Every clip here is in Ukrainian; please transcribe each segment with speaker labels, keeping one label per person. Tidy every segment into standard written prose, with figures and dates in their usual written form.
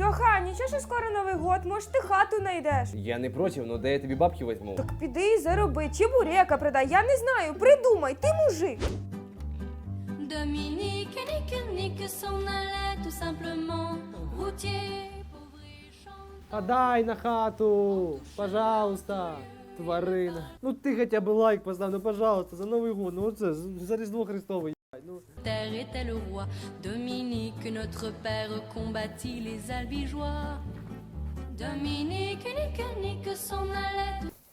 Speaker 1: Тьоха, нічого, що скоро Новий год, може ти хату знайдеш.
Speaker 2: Я не проти, но де я тобі бабки візьму?
Speaker 1: Так піди і зароби, чебурека продай, я не знаю, придумай, ти мужик.
Speaker 3: Dominique, Nique s'en allait tout simplement. Routier, pauvre et chanteur.
Speaker 2: Подай на хату, пожалуйста, тварина. Ну ти хоча б лайк постав, ну пожалуйста, за Новий год, ну оце, за Різдво Христове, ебать, ну.
Speaker 3: Terre était le roi. Dominique, notre père, combattit les albigeois. Dominique, Nique s'en allait tout.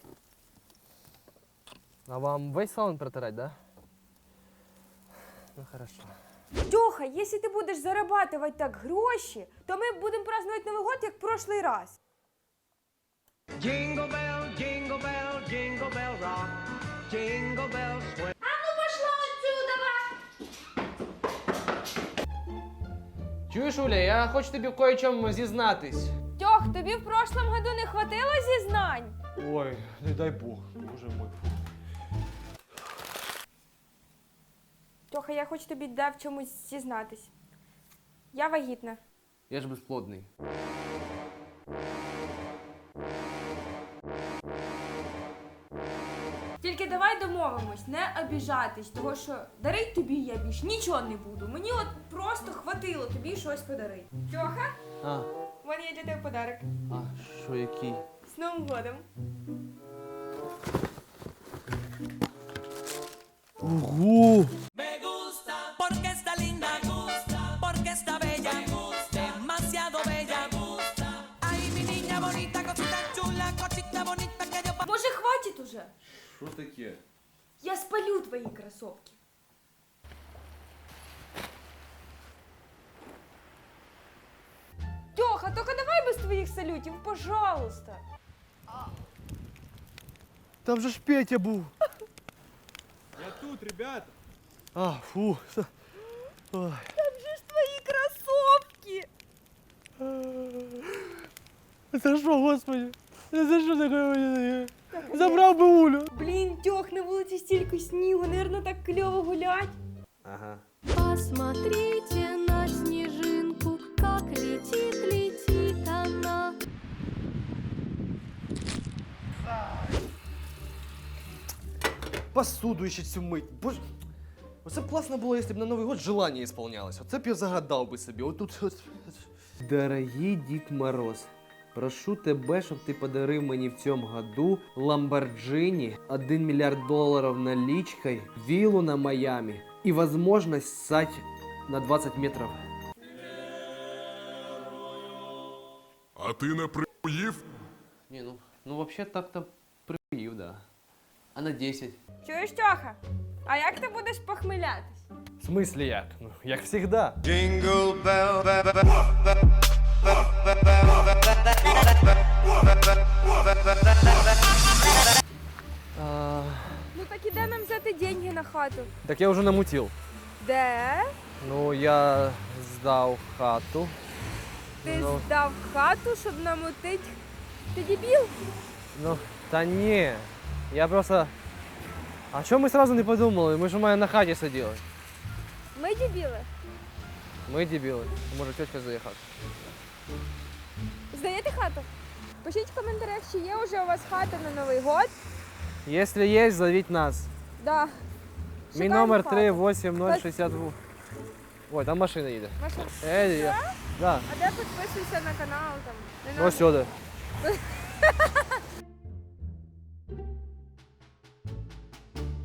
Speaker 2: А вам весь салон протирать, да? Ну хорошо.
Speaker 1: Тьоха, якщо ти будеш зарабатувати так гроші, то ми будемо празднувати Новий год, як в прошлий раз.
Speaker 4: Jingle bell, jingle bell, jingle bell rock. Jingle bells swing.
Speaker 2: Чуєш, Уля, я хочу тобі в кое-чому зізнатись.
Speaker 1: Тьох, тобі в прошлому году не хватило зізнань?
Speaker 2: Ой, не дай Бог, боже мой.
Speaker 1: Тьоха, я хочу тобі де в чомусь зізнатись. Я вагітна.
Speaker 2: Я ж безплодний.
Speaker 1: Тільки давай домовимось, не обіжатись, того що дарить тобі я більш нічого не буду. Мені от просто хватило тобі щось подарити. Тьоха,
Speaker 2: А,
Speaker 1: в мене є для тебе подарок.
Speaker 2: що який?
Speaker 1: З Новим годом.
Speaker 2: Ого!
Speaker 5: Me gusta porque está linda, gusta porque está bella, gusta demasiado bella, gusta. Ay, mi niña bonita, cosita chula, cosita bonita que yo.
Speaker 1: Може, хватить уже?
Speaker 2: Що таке?
Speaker 1: Я спалю твої кросовки. Тьоха, тільки давай без твоїх салютів, пожалуйста.
Speaker 2: Там же ж Петя був.
Speaker 6: Я тут, ребята.
Speaker 2: А, фу. Ой.
Speaker 1: Там же ж твої кросовки.
Speaker 2: За що, господи? За що таке? Забрав би Улю.
Speaker 1: Блін, Тьох, на вулиці стільки снігу, наверно, так кльово гулять.
Speaker 2: Ага.
Speaker 3: Посмотрите на снежинку, как летит, летит она.
Speaker 2: Посуду ще цю мить. Боже. Оце б класно було, якщо б на Новий год желання ісполнялось. Оце б я загадав би собі. Отут. Дорогий Дід Мороз, прошу тебе, щоб ти подарив мені в цьому году Lamborghini, 1 мільярд доларів наличкой, виллу на Майами і можливість ссать на 20 метрів.
Speaker 7: А ти не приїв?
Speaker 2: Ні, ну вообще так-то приїв, да. А на 10?
Speaker 1: Чуєш, Тьоха? А як ти будеш похмилятись?
Speaker 2: В смислі як? Ну, як завжди.
Speaker 4: Jingle bell,
Speaker 1: Ну так і де нам взяти деньги на хату?
Speaker 2: Так я вже намутив.
Speaker 1: Де?
Speaker 2: Ну, я здав хату.
Speaker 1: Ти
Speaker 2: Ну.
Speaker 1: здав хату, щоб намутить? Ти дебіл?
Speaker 2: Ну, та ні. Я просто... А чому ми сразу не подумали? Ми ж у мене на хаті сиділи.
Speaker 1: Ми дебіли.
Speaker 2: Ми дебіли. Може, тітка заїхати.
Speaker 1: Здаєте хату? Пишіть в коментарях, чи є вже у вас хата на Новий год.
Speaker 2: Якщо є, зовіть нас.
Speaker 1: Да.
Speaker 2: Мій
Speaker 1: Шукаємо
Speaker 2: номер
Speaker 1: хату.
Speaker 2: 38062. Ой, там машина їде.
Speaker 1: Машина.
Speaker 2: Да.
Speaker 1: А де підписуйся на канал там? Не
Speaker 2: Ось
Speaker 1: надо.
Speaker 2: сюди.